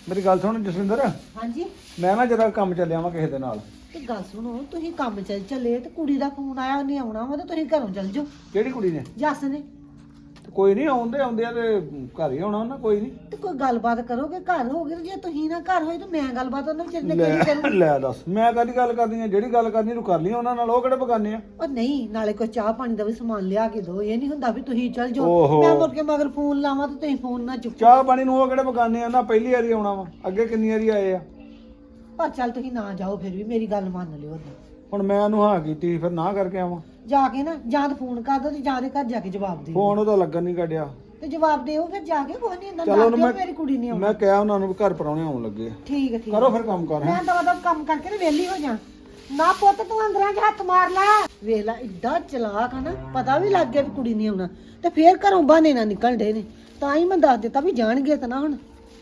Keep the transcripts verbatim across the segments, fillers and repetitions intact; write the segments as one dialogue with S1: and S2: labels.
S1: ਮੇਰੀ ਗੱਲ ਸੁਣ ਜਸਵਿੰਦਰ।
S2: ਹਾਂਜੀ
S1: ਮੈਂ ਨਾ ਜਰਾ ਕੰਮ ਚੱਲਿਆ ਵਾਂ ਕਿਸੇ ਦੇ ਨਾਲ।
S2: ਤੇ ਗੱਲ ਸੁਣੋ, ਤੁਸੀਂ ਕੰਮ ਚੱਲ ਚੱਲੇ ਤੇ ਕੁੜੀ ਦਾ ਫੋਨ ਆਇਆ, ਉਹਨੇ ਆਉਣਾ ਵਾ ਤੇ ਤੁਸੀਂ ਘਰੋਂ ਚੱਲ ਜਾਓ।
S1: ਕਿਹੜੀ ਕੁੜੀ ਨੇ?
S2: ਜੱਸ ਨੇ।
S1: ਤੇ ਕੋਈ ਨਹੀਂ, ਆਉਂਦੇ ਆਉਂਦੇ ਆ ਤੇ ਘਰ ਹੀ ਆਉਣਾ ਉਹਨਾਂ, ਕੋਈ ਨਹੀਂ।
S2: ਤੇ ਕੋਈ ਗੱਲਬਾਤ ਕਰੋਗੇ, ਘਰ ਹੋਗੇ ਤੇ ਜੇ ਤੁਸੀਂ ਨਾ ਘਰ ਹੋਏ ਤਾਂ ਮੈਂ ਗੱਲਬਾਤ ਉਹਨਾਂ ਵਿਚਾਰੇ ਨੇ ਕਿਹੜੀ
S1: ਲੈ
S2: ਕਰੂੰ।
S1: ਲੈ ਦੱਸ, ਮੈਂ ਕਾਹਦੀ ਗੱਲ ਕਰਨੀ ਆ? ਜਿਹੜੀ ਗੱਲ ਕਰਨੀ ਤੂੰ ਕਰ ਲਈ ਉਹਨਾਂ ਨਾਲ, ਉਹ ਕਿਹੜੇ ਬਗਾਨੇ ਆ?
S2: ਉਹ ਨਹੀਂ, ਨਾਲੇ ਕੋਈ ਚਾਹ ਪਾਣੀ ਦਾ ਵੀ ਸਮਾਨ ਲਿਆ ਕੇ ਦੋ। ਇਹ ਨਹੀਂ ਹੁੰਦਾ ਵੀ ਤੁਸੀਂ ਚੱਲ ਜਾਓ
S1: ਓਹੋ।
S2: ਮੈਂ ਮੁੜ ਕੇ ਮਗਰ ਫੋਨ ਲਾਵਾਂ ਤੇ ਤੁਸੀਂ ਫੋਨ ਨਾ ਚੁੱਕੋ।
S1: ਚਾਹ ਪਾਣੀ ਨੂੰ ਉਹ ਕਿਹੜੇ ਬਗਾਨੇ ਆ? ਨਾ ਪਹਿਲੀ ਵਾਰੀ ਆਉਣਾ ਵਾ, ਅੱਗੇ ਕਿੰਨੀ ਵਾਰੀ ਆਏ ਆ।
S2: ਪਰ ਚੱਲ ਤੁਸੀਂ ਨਾ ਜਾਓ, ਫਿਰ ਵੀ ਮੇਰੀ ਗੱਲ ਮੰਨ ਲਿਓ। ਓਦਾਂ
S1: ਹੁਣ ਮੈਂ ਉਹਨੂੰ ਹਾਂ ਕੀਤੀ, ਫਿਰ ਨਾ ਕਰਕੇ ਆਵਾਂ।
S2: ਜਾ ਕੇ ਨਾ ਜਾਂ ਤਾਂ ਫੋਨ ਕਰ ਦੋ ਤੇ ਜਾਂ ਦੇ ਘਰ ਜਾ ਕੇ ਜਵਾਬ ਦਿਓ।
S1: ਫੋਨ ਉਹਦਾ ਲੱਗਣ ਨਹੀਂ ਕੱਢਿਆ
S2: ਤੇ ਜਵਾਬ ਦਿਓ ਫਿਰ ਜਾ ਕੇ। ਕੋਈ ਨਹੀਂ ਹੁੰਦਾ,
S1: ਚਲੋ
S2: ਨਾ
S1: ਉਹਨੂੰ
S2: ਕਿਉਂ
S1: ਮੈਂ
S2: ਮੇਰੀ ਕੁੜੀ ਨਹੀਂ ਆਉਣੀ।
S1: ਮੈਂ ਕਿਹਾ ਉਹਨਾਂ ਨੂੰ ਵੀ ਘਰ ਪਰਾਉਣੇ ਆਉਣ ਲੱਗੇ ਆ।
S2: ਠੀਕ ਹੈ ਠੀਕ
S1: ਕਰੋ
S2: ਹੈ।
S1: ਫਿਰ ਕੰਮ ਕਰ।
S2: ਮੈਂ ਤਾਂ ਉਹਦਾ ਕੰਮ ਕਰਕੇ ਤੇ ਵਿਹਲੀ ਹੋ ਜਾ। ਨਾ ਪੁੱਤ ਤੂੰ ਅੰਦਰਾਂ 'ਚ ਹੱਥ ਮਾਰ ਲੈ। ਵੇਖ ਲੈ ਇੱਡਾ ਚਲਾਕ ਆ ਨਾ, ਪਤਾ ਵੀ ਲੱਗ ਗਿਆ ਵੀ ਕੁੜੀ ਨਹੀਂ ਆਉਣਾ ਤੇ ਫੇਰ ਘਰੋਂ ਬਹਾਨੇ ਨਾ ਨਿਕਲ ਡੇ ਨੇ। ਤਾਂ ਹੀ ਮੈਂ ਦੱਸ ਦਿੱਤਾ ਵੀ ਜਾਣਗੇ ਤਾਂ ਨਾ। ਹੁਣ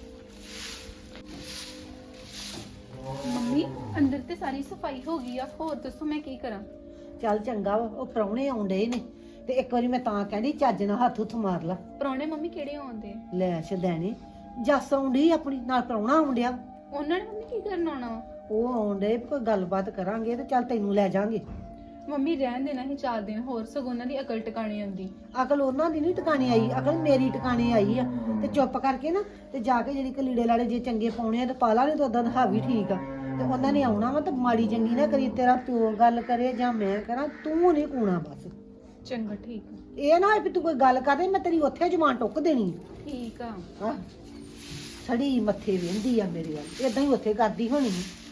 S3: ਮੰਮੀ ਅੰਦਰ ਤੇ ਸਾਰੀ ਸਫਾਈ ਹੋ ਗਈ ਆ, ਹੋਰ ਦੱਸੋ ਮੈਂ ਕੀ ਕਰਾਂ?
S2: ਚੱਲ ਚੰਗਾ ਵਾ, ਉਹ ਪ੍ਰਾਹੁਣੇ ਆਉਂਦੇ ਨੇ ਤੇ ਇੱਕ ਵਾਰੀ ਮੈਂ ਤਾਂ ਕਹਿੰਦੀ ਚੱਜ ਨਾਲ ਹੱਥ ਹੁੱਥ ਮਾਰ ਲਾ।
S3: ਪ੍ਰਾਹੁਣੇ ਮੰਮੀ ਕਿਹੜੇ ਆਉਂਦੇ?
S2: ਲੈ ਛਦੈਣੇ, ਜੱਸ ਆਉਂਦੀ ਆਪਣੀ ਨਾਲ, ਪ੍ਰਾਹੁਣਾ ਆਉਂਦਿਆ।
S3: ਉਹਨਾਂ ਨੇ ਮੰਮੀ ਕੀ ਕਰਨ ਆਉਣਾ ਵਾ?
S2: ਉਹ ਆਉਂਦੇ ਕੋਈ ਗੱਲਬਾਤ ਕਰਾਂਗੇ ਤੇ ਚੱਲ ਤੈਨੂੰ ਲੈ ਜਾਾਂਗੇ।
S3: ਮੰਮੀ ਰਹਿਣ ਦੇਣਾ ਹੀ ਚਾਰ ਦਿਨ ਹੋਰ, ਸਗੋਂ ਉਹਨਾਂ ਦੀ ਅਕਲ ਟਿਕਾਣੀ ਆਉਂਦੀ।
S2: ਅਕਲ ਉਹਨਾਂ ਦੀ ਨਹੀਂ ਟਿਕਾਣੀ ਆਈ, ਅਕਲ ਮੇਰੀ ਟਿਕਾਣੇ ਆਈ ਆ। ਤੇ ਚੁੱਪ ਕਰਕੇ ਨਾ ਤੇ ਜਾ ਕੇ ਜਿਹੜੀ ਕਲੀੜੇ ਲਾੜੇ ਜੇ ਚੰਗੇ ਪਾਉਣੇ ਆ ਤੇ ਪਾ ਲਾ, ਨਹੀਂ ਤਾਂ ਉਦਾਂ ਦਾ ਹਾਵੀ ਠੀਕ ਆ। ਤੇ ਉਹਨਾਂ ਨੇ ਆਉਣਾ ਵਾ ਤੇ ਮਾੜੀ ਚੰਗੀ ਨਾ ਕਰੀ, ਤੇਰਾ ਪਿਓ ਗੱਲ ਕਰੇ ਜਾਂ ਮੈਂ ਕਰਾਂ, ਤੂੰ ਨਹੀਂ ਕੂਣਾ ਬਸ।
S3: ਚੰਗਾ ਠੀਕ ਆ।
S2: ਇਹ ਨਾ ਹੋਏ ਵੀ ਤੂੰ ਕੋਈ ਗੱਲ ਕਰਦੇ ਮੈਂ ਤੇਰੀ ਉੱਥੇ ਜ਼ੁਬਾਨ ਟੁੱਕ ਦੇਣੀ।
S3: ਠੀਕ ਆ।
S2: ਹਾਂ ਛੜੀ ਮੱਥੇ ਵਹਿੰਦੀ ਆ ਮੇਰੇ ਵੱਲ, ਏਦਾਂ ਹੀ ਉੱਥੇ ਕਰਦੀ ਹੋਣੀ।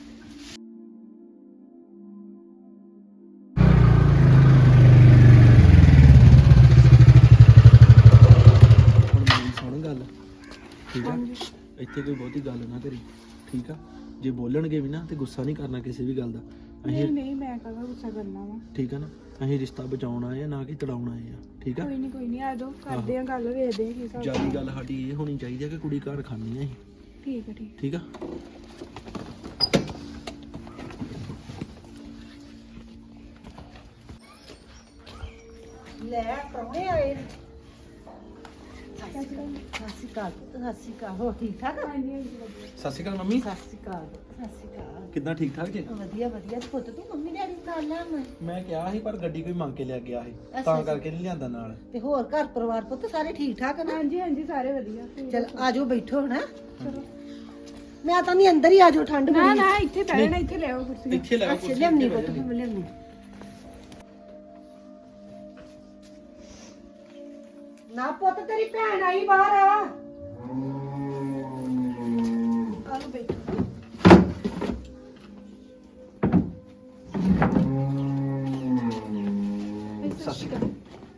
S4: ਸੁਣ ਗੱਲ, ਠੀਕ ਆ? ਇੱਥੇ ਕੋਈ ਬਹੁਤੀ ਗੱਲ ਨਾ ਕਰੀ, ਠੀਕ ਆ? ਜੇ ਬੋਲਣਗੇ ਵੀ ਨਾ ਤੇ ਗੁੱਸਾ ਨਹੀਂ ਕਰਨਾ ਕਿਸੇ ਵੀ ਗੱਲ ਦਾ।
S5: ਨਹੀਂ ਨਹੀਂ ਮੈਂ ਕਹਾਂ ਗੁੱਸਾ ਕਰਨਾ ਵਾ।
S4: ਠੀਕ ਆ ਨਾ? ਅਸੀਂ ਰਿਸ਼ਤਾ ਬਚਾਉਣ ਆਏ ਆ, ਨਾ ਕਿ ਤੜਾਉਣ ਆਏ ਆ, ਠੀਕ ਆ?
S5: ਕੋਈ ਨਹੀਂ ਕੋਈ ਨਹੀਂ, ਆ ਜਾਓ ਕਰਦੇ ਆ ਗੱਲ, ਵੇਖਦੇ ਆ ਕੀ ਹਿਸਾਬ।
S4: ਜਿਆਦੀ ਗੱਲ ਸਾਡੀ ਇਹ ਹੋਣੀ ਚਾਹੀਦੀ ਆ ਕਿ ਕੁੜੀ ਘਰ ਖਾਣੀ ਆ ਅਸੀਂ,
S5: ਠੀਕ ਹੈ ਠੀਕ।
S4: ਠੀਕ ਆ?
S2: ਲੈ ਪ੍ਰਾਹੁਣੇ ਆਏ ਨੇ। ਸਤਿ ਸ਼੍ਰੀ ਅਕਾਲ। ਸਤਿ ਸ਼੍ਰੀ ਅਕਾਲ। ਹੋ ਠੀਕ ਠਾਕ?
S5: ਹਾਂਜੀ ਹਾਂਜੀ ਵਧੀਆ।
S4: ਸਤਿ ਸ਼੍ਰੀ ਅਕਾਲ ਮੰਮੀ।
S2: ਸਤਿ ਸ਼੍ਰੀ ਅਕਾਲ। ਸਤਿ ਸ਼੍ਰੀ ਅਕਾਲ।
S4: ਕਿੱਦਾਂ, ਠੀਕ ਠਾਕ ਜੀ?
S2: ਵਧੀਆ ਵਧੀਆ। ਤੇ ਪੁੱਤ ਤੂੰ ਮੰਮੀ ਡੈਡੀ ਨਾਲ ਲੈ ਆਵਾਂ।
S4: ਮੈਂ ਕਿਹਾ ਸੀ ਪਰ ਗੱਡੀ ਕੋਈ ਮੰਗ ਕੇ ਲੈ ਗਿਆ ਸੀ,
S2: ਅੱਛਾ,
S4: ਤਾਂ
S2: ਅੱਛਾ।
S4: ਕਰਕੇ ਨਹੀਂ ਲਿਆਂਦਾ ਨਾਲ।
S2: ਤੇ ਹੋਰ ਘਰ ਪਰਿਵਾਰ ਪੁੱਤ ਸਾਰੇ ਠੀਕ ਠਾਕ ਨਾ?
S5: ਹਾਂਜੀ ਹਾਂਜੀ ਸਾਰੇ ਵਧੀਆ।
S2: ਚਲ ਆਜੋ ਬੈਠੋ ਹੁਣ। ਮੈਂ ਤਾਂ ਨਹੀਂ, ਅੰਦਰ ਹੀ ਆਜੋ, ਠੰਡ
S5: ਨਾ
S2: ਬੜੀ।
S5: ਨਾ ਇੱਥੇ ਬੈਠਣਾ, ਇੱਥੇ ਲੈ ਆਓ ਕੁਰਸੀ।
S4: ਇੱਥੇ ਲੈ
S2: ਅੱਛਾ ਲਿਆਉਣੀ ਪੁੱਤ, ਮੈਂ ਲਿਆਉਣੀ। ਨਾ ਪੁੱਤ ਤੇਰੀ ਭੈਣ ਆਈ ਬਾਹਰ ਆ। ਆਲੋ ਬੈਠੋ।
S4: ਸਤਿ ਸ਼੍ਰੀ ਅਕਾਲ।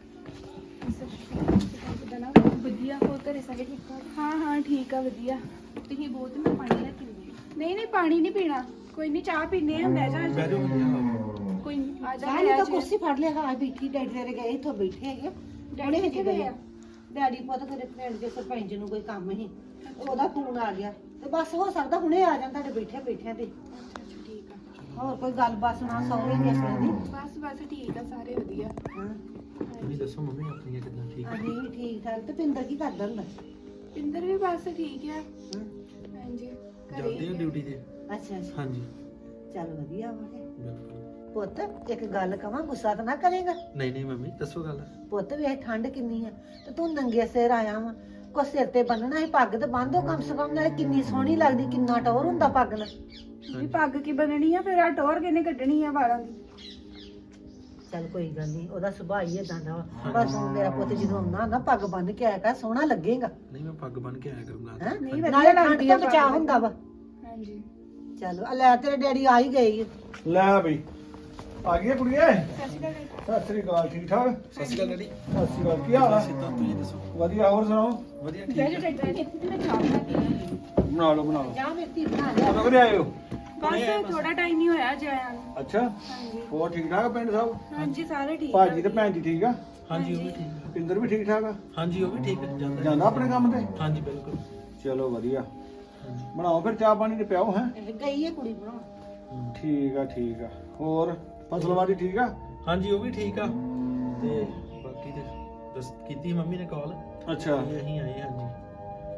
S5: ਕਿੱਦਾਂ ਨਾ?
S3: ਵਧੀਆ, ਹੋਰ ਘਰੇ ਸਾਰੇ ਠੀਕ ਠਾਕ?
S5: ਹਾਂ ਹਾਂ ਠੀਕ ਆ ਵਧੀਆ।
S3: ਤੁਸੀਂ ਬਹੁਤ ਮੈਂ ਪਾਣੀ ਲੈ ਕੇ ਆਉਂਦੀ
S5: ਨਹੀਂ ਨਹੀਂ ਪਾਣੀ ਨਹੀਂ ਪੀਣਾ, ਕੋਈ ਨਹੀਂ ਚਾਹ ਪੀਨੇ ਆ। ਬਹਿ ਜਾ
S4: ਬਹਿ ਜਾਓ ਵਧੀਆ।
S3: ਕੋਈ ਨਹੀਂ।
S5: ਆ ਜਾ
S2: ਚਾਹ
S5: ਲੈ
S2: ਤਾਂ
S5: ਜੀ।
S2: ਕੁਰਸੀ ਫੜ ਲਿਆ। ਹਾਂ ਬੈਠੀ, ਡੈਡੀ ਤੇਰੇ ਗਏ ਇੱਥੋਂ ਬੈਠੇ ਹੈਗੇ।
S5: ਡੈਡੀ ਕਿੱਥੇ ਗਏ ਆ?
S2: ਡੈਡੀ ਪੁੱਤ ਤੇਰੇ ਪਿੰਡ ਦੇ ਸਰਪੰਚ ਨੂੰ ਕੋਈ ਕੰਮ ਸੀ, ਉਹਦਾ ਫੋਨ ਆ ਗਿਆ ਤੇ ਬਸ ਹੋ ਸਕਦਾ ਹੁਣੇ ਆ ਜਾਣ ਤੁਹਾਡੇ ਬੈਠੇ ਬੈਠਿਆਂ ਤੇ।
S5: ਅੱਛਾ ਅੱਛਾ ਠੀਕ ਆ।
S2: ਹੋਰ ਕੋਈ ਗੱਲਬਾਤ ਸੁਣਾ ਸਹੁਰੇ ਦੀ ਆਪਣੇ ਦੀ।
S5: ਬਸ ਬਸ ਠੀਕ ਆ, ਸਾਰੇ ਵਧੀਆ।
S2: ਹਾਂ
S4: ਤੁਸੀਂ ਦੱਸੋ ਮੰਮੀ ਆਪਣੀਆਂ ਕਿੱਦਾਂ, ਠੀਕ ਆ?
S2: ਅਸੀਂ ਵੀ ਠੀਕ ਠਾਕ। ਤੇ ਪਿੰਦਰ ਕੀ ਕਰਦਾ ਹੁੰਦਾ?
S5: ਪਿੰਦਰ ਵੀ ਬਸ ਠੀਕ ਆ।
S2: ਹਾਂ
S5: ਹਾਂਜੀ
S4: ਜਾਂਦੇ ਹੋ
S5: ਘਰੇ।
S4: ਡਿਊਟੀ ਤੇ?
S2: ਅੱਛਾ ਅੱਛਾ
S4: ਹਾਂਜੀ
S2: ਚੱਲ ਵਧੀਆ ਵਾ ਕੇ।
S4: ਬਿਲਕੁਲ।
S2: ਪੁੱਤ ਇੱਕ ਗੱਲ ਕਵਾਂ, ਗੁੱਸਾ ਤਾਂ ਨਾ ਕਰੇਗਾ?
S4: ਨਹੀਂ ਨਹੀਂ ਮੰਮੀ ਦੱਸੋ ਗੱਲ।
S2: ਪੁੱਤ ਵੇਖ ਠੰਡ ਕਿੰਨੀ ਆ ਤੇ ਤੂੰ ਨੰਗੇ ਸਿਰ ਆਇਆ ਵਾ। ਕੋ ਸਿਰ ਤੇ ਬੰਨਣਾ ਸੀ, ਪੱਗ ਤੇ ਬੰਨ੍ਹੋ ਕਮ ਸੇ ਕਮ। ਨਾਲੇ ਕਿੰਨੀ ਸੋਹਣੀ ਲੱਗਦੀ, ਕਿੰਨਾ ਟੌਰ ਹੁੰਦਾ ਪੱਗ ਨਾਲ।
S5: ਵੀ ਪੱਗ ਕੀ ਬਣਨੀ ਆ ਫਿਰ? ਆ ਟੋਰ ਕਿਨੇ ਕੱਢਣੀ ਆ ਵਾਲਾਂ ਦੀ?
S2: ਚੱਲ ਕੋਈ ਗੱਲ ਨਹੀਂ, ਉਹਦਾ ਸੁਭਾਅ ਹੀ ਏਦਾਂ ਦਾ ਵਾ। ਪਰ ਤੂੰ ਮੇਰਾ ਪੁੱਤ ਜਦੋਂ ਆਉਂਦਾ ਨਾ, ਪੱਗ ਬੰਨ ਕੇ ਆਇਆ ਕਰ, ਸੋਹਣਾ ਲੱਗੇਗਾ।
S4: ਨਹੀਂ ਮੈਂ ਪੱਗ ਬੰਨ ਕੇ ਆਇਆ ਕਰੂੰਗਾ।
S2: ਹੈਂ?
S5: ਨਹੀਂ ਵਧੀਆ
S2: ਨਾਲੇ ਠੰਡ
S5: ਲੱਗਦੀ ਆ
S2: ਤੋਂ ਬਚਾ
S5: ਪੱਗ।
S2: ਹੁੰਦਾ ਵਾ।
S5: ਹਾਂਜੀ
S2: ਚਲੋ ਆ ਲੈ, ਤੇਰੇ ਡੈਡੀ ਆ ਹੀ ਗਏ ਈ।
S1: ਲੈ ਬਈ, ਆ ਗਈ ਕੁੜੀਏ।
S5: ਸਤਿ ਸ਼੍ਰੀ ਅਕਾਲ।
S1: ਸਤਿ ਸ੍ਰੀ ਅਕਾਲ। ਠੀਕ ਠਾਕ?
S4: ਸਤਿ ਸ਼੍ਰੀ ਅਕਾਲ ਡੈਡੀ।
S1: ਸਤਿ ਸ਼੍ਰੀ ਅਕਾਲ। ਕੀ ਹਾਲ ਆ?
S4: ਸਿੱਧਾ ਤੁਸੀਂ ਦੱਸੋ।
S1: ਵਧੀਆ। ਹੋਰ ਸੁਣਾਓ?
S4: ਵਧੀਆ
S5: ਬਹਿ
S4: ਠੀਕ
S5: ਜਾ
S4: ਆ।
S5: ਡੈਡੀ, ਇੱਥੇ ਤੇ ਮੈਂ ਚਾਹ ਬਣਾ ਕੇ ਲਿਆਈ।
S1: ਬਣਾ ਲਓ ਬਣਾ ਲਓ।
S2: ਜਾ ਮੇਰੀ ਬਣਾ ਲਿਆ।
S1: ਕਦੋਂ ਕਦੇ ਆਏ ਹੋ?
S5: ਬਸ ਥੋੜਾ ਟਾਈਮ ਹੀ ਹੋਇਆ ਜਾਇਆ ਨੂੰ।
S1: ਅੱਛਾ,
S5: ਹਾਂਜੀ
S1: ਹੋਰ ਠੀਕ ਠਾਕ ਪਿੰਡ ਸਭ?
S5: ਹਾਂਜੀ ਸਾਰੇ ਠੀਕ ਆ।
S1: ਭਾਜੀ ਤੇ ਭੈਣ ਜੀ ਠੀਕ ਆ?
S4: ਹਾਂਜੀ ਉਹ ਵੀ ਠੀਕ ਆ।
S1: ਪਿੰਦਰ ਵੀ ਠੀਕ ਠਾਕ ਆ?
S4: ਹਾਂਜੀ ਉਹ ਵੀ ਠੀਕ ਆ, ਜਾਂਦਾ
S1: ਜਾਂਦਾ ਆਪਣੇ ਕੰਮ ਤੇ?
S4: ਹਾਂਜੀ ਬਿਲਕੁਲ।
S1: ਚਲੋ ਵਧੀਆ।
S4: ਹਾਂਜੀ
S1: ਬਣਾਓ ਫਿਰ ਚਾਹ ਪਾਣੀ ਤੇ ਪਿਆਓ। ਹੈ
S2: ਗਈ ਹੈ ਕੁੜੀ ਬਣਾਉਣ।
S1: ਠੀਕ ਆ ਠੀਕ ਆ। ਹੋਰ ਫਸਲਵਾੜੀ ਠੀਕ ਆ?
S4: ਹਾਂਜੀ ਉਹ ਵੀ ਠੀਕ ਆ। ਤੇ ਬਾਕੀ ਤੇ ਬਸ ਕੀਤੀ ਮੰਮੀ ਨੇ ਕਾਲ,
S1: ਅੱਛਾ
S4: ਅਸੀਂ ਆਏ। ਹਾਂਜੀ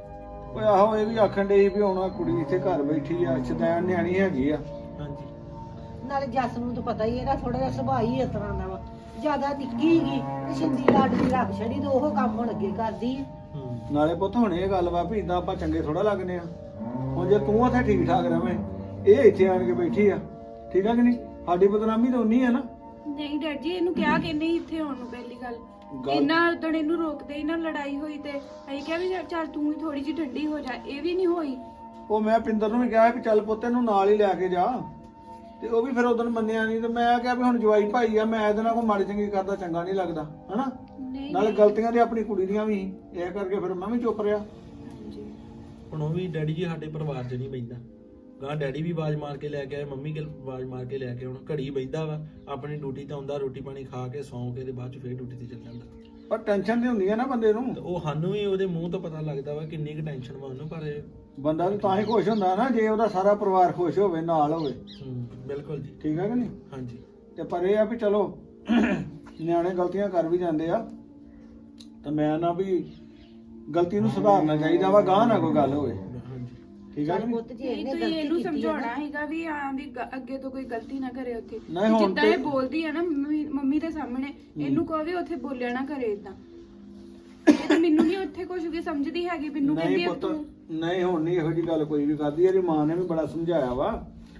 S1: ਓਏ ਆਹੋ ਇਹ ਵੀ ਆਖਣ ਡਈ ਵੀ ਹੁਣ ਆਹ ਕੁੜੀ ਇੱਥੇ ਘਰ ਬੈਠੀ ਆ ਸ਼ੈਤਾਨ ਨਿਆਣੀ ਹੈਗੀ ਆ।
S4: ਹਾਂਜੀ
S2: ਨਾਲੇ ਜੱਸ ਨੂੰ ਤਾਂ ਪਤਾ ਹੀ ਇਹਦਾ ਥੋੜਾ ਜਿਹਾ ਸੁਭਾਅ ਹੀ ਇਸ ਤਰ੍ਹਾਂ ਦਾ ਵਾ, ਜਿਆਦਾ ਨਿੱਕੀ ਹੈਗੀ ਤੇ ਛਿੰਦੀ ਲਾਡਲੀ ਰੱਖ ਛੜੀ ਤੇ ਉਹ ਕੰਮ ਹੁਣ ਅੱਗੇ ਕਰਦੀ ਆ।
S4: ਹੂੰ
S1: ਨਾਲੇ ਪੁੱਤ ਹੁਣ ਇਹ ਗੱਲ ਵਾ ਵੀ ਇਦਾਂ ਆਪਾਂ ਚੰਗੇ ਥੋੜਾ ਲੱਗਨੇ ਆ। ਹੁਣ ਜੇ ਤੂੰ ਉੱਥੇ ਠੀਕ ਠਾਕ ਰਵੇਂ, ਇਹ ਇੱਥੇ ਆਣ ਕੇ ਬੈਠੀ ਆ, ਠੀਕ ਆ ਕਿ ਨਹੀਂ? ਸਾਡੀ ਬਦਨਾਮੀ ਤਾਂ ਉਨੀ ਆ ਨਾ।
S5: ਨਹੀਂ ਡੈਡ ਜੀ ਇਹਨੂੰ ਕਿਹਾ ਕਿ ਨਹੀਂ ਇੱਥੇ ਆਉਣ ਨੂੰ ਪਹਿਲੀ ਗੱਲ
S1: ਗੱਲ-
S5: ਇਹਨਾਂ ਉਦੋਂ ਇਹਨੂੰ ਰੋਕਦੇ ਹੀ ਨਾ ਲੜਾਈ ਹੋਈ ਤੇ ਅਸੀਂ ਕਿਹਾ ਵੀ ਚੱਲ ਤੂੰ ਵੀ ਥੋੜੀ ਜਿਹੀ ਠੰਡੀ ਹੋ ਜਾ, ਇਹ ਵੀ ਨਹੀਂ ਹੋਈ।
S1: ਉਹ ਮੈਂ ਪਿੰਦਰ ਨੂੰ ਵੀ ਕਿਹਾ ਵੀ ਚੱਲ ਪੁੱਤ ਇਹਨੂੰ ਨਾਲ ਹੀ ਲੈ ਕੇ ਜਾ, ਤੇ ਉਹ ਵੀ ਫਿਰ ਉਦੋਂ ਮੰਨਿਆ ਨਹੀਂ। ਤੇ ਮੈਂ ਕਿਹਾ ਵੀ ਹੁਣ ਜਵਾਈ ਭਾਈ ਆ, ਮੈਂ ਇਹਦੇ ਨਾਲ ਕੋਈ ਮਾੜੀ ਚੰਗੀ ਕਰਦਾ ਚੰਗਾ ਨਹੀਂ ਲੱਗਦਾ ਹਨਾ।
S5: ਨਹੀਂ
S1: ਨਾਲੇ ਗਲਤੀਆਂ ਤੇ ਆਪਣੀ ਕੁੜੀ ਦੀਆਂ ਵੀ ਸੀ, ਇਹ ਕਰਕੇ ਫਿਰ ਮੈਂ ਵੀ ਚੁੱਪ ਰਿਹਾ।
S5: ਹਾਂਜੀ।
S4: ਹੁਣ ਉਹ ਵੀ ਡੈਡੀ ਜੀ ਸਾਡੇ ਪਰਿਵਾਰ 'ਚ ਨਹੀਂ ਬੈਂਦਾ। ਗਾਂ ਡੈਡੀ ਵੀ ਆਵਾਜ਼ ਮਾਰ ਕੇ ਲੈ ਕੇ ਆਏ, ਮੰਮੀ ਕੇ ਆਵਾਜ਼ ਮਾਰ ਕੇ ਲੈ ਕੇ ਹੁਣ ਘੜੀ ਬੈਂਦਾ ਵਾ, ਆਪਣੀ ਡਿਊਟੀ ਤੇ ਆਉਂਦਾ, ਰੋਟੀ ਪਾਣੀ ਖਾ ਕੇ ਸੌਂ ਕੇ ਤੇ ਬਾਅਦ 'ਚ ਫੇਰ ਡਿਊਟੀ ਤੇ ਚੱਲ ਜਾਂਦਾ।
S1: ਪਰ ਟੈਨਸ਼ਨ ਤੇ ਹੁੰਦੀ ਆ ਨਾ ਬੰਦੇ ਨੂੰ।
S4: ਤੇ ਉਹ ਸਾਨੂੰ ਵੀ ਉਹਦੇ ਮੂੰਹ ਤੋਂ ਪਤਾ ਲੱਗਦਾ ਵਾ ਕਿੰਨੀ ਕੁ ਟੈਨਸ਼ਨ ਵਾ ਉਹਨੂੰ, ਪਰ ਇਹ-
S1: ਬੰਦਾ ਤਾਂ ਤਾਂ ਹੀ ਖੁਸ਼ ਹੁੰਦਾ ਨਾ ਜੇ ਉਹਦਾ ਸਾਰਾ ਪਰਿਵਾਰ ਖੁਸ਼ ਹੋਵੇ, ਨਾਲ ਹੋਵੇ।
S4: ਹੂੰ ਬਿਲਕੁਲ ਜੀ।
S1: ਠੀਕ ਹੈ ਕਿ ਨਹੀਂ?
S4: ਹਾਂਜੀ
S1: ਤੇ ਪਰ ਇਹ ਆ ਵੀ ਚਲੋ ਨਿਆਣੇ ਗਲਤੀਆਂ ਕਰ ਵੀ ਜਾਂਦੇ ਆ, ਤੇ ਮੈਂ ਨਾ ਵੀ ਗਲਤੀ ਨੂੰ ਸੁਧਾਰਨਾ ਚਾਹੀਦਾ ਵਾ, ਗਾਹ ਨਾ ਕੋਈ ਗੱਲ ਹੋਵੇ।
S4: ਹਾਂਜੀ
S1: ਠੀਕ ਹੈ ਕਿ
S2: ਚੱਲ
S1: ਨਹੀਂ?
S2: ਪੁੱਤ ਜੀ
S5: ਨਹੀਂ
S2: ਇਹਨੇ
S5: ਤੁਸੀਂ
S2: ਗਲਤੀ
S5: ਇਹਨੂੰ
S2: ਕੀਤੀ ਆ
S5: ਸਮਝਾਉਣਾ
S2: ਨਾ,
S5: ਹੈਗਾ ਵੀ ਹਾਂ ਵੀ ਗ- ਅੱਗੇ ਤੋਂ ਕੋਈ ਗਲਤੀ ਨਾ ਕਰੇ ਉੱਥੇ।
S1: ਨਹੀਂ, ਹੁਣ
S5: ਜਿੱਦਾਂ
S1: ਤੇ-
S5: ਇਹ ਬੋਲਦੀ ਹੈ ਨਾ ਮੰਮੀ ਮੰਮੀ ਦੇ ਸਾਹਮਣੇ, ਇਹਨੂੰ ਕਹੋ ਵੀ ਉੱਥੇ ਬੋਲਿਆ ਨਾ ਕਰੇ ਇਦਾਂ। ਇਹ ਤਾਂ ਮੈਨੂੰ ਨਹੀਂ ਉੱਥੇ ਕੁਝ ਵੀ ਸਮਝਦੀ ਹੈਗੀ, ਮੈਨੂੰ ਕਹਿੰਦੀ
S1: ਨਹੀਂ
S5: ਆ
S1: ਪੁੱਤ,
S5: ਤੂੰ
S1: ਨਹੀਂ ਹੁਣ ਨਹੀਂ ਇਹੋ ਜੀ ਗੱਲ ਕੋਈ ਵੀ ਕਰਦੀ। ਇਹਦੀ ਮਾਂ ਨੇ ਵੀ ਬੜਾ ਸਮਝਾਇਆ ਵਾ,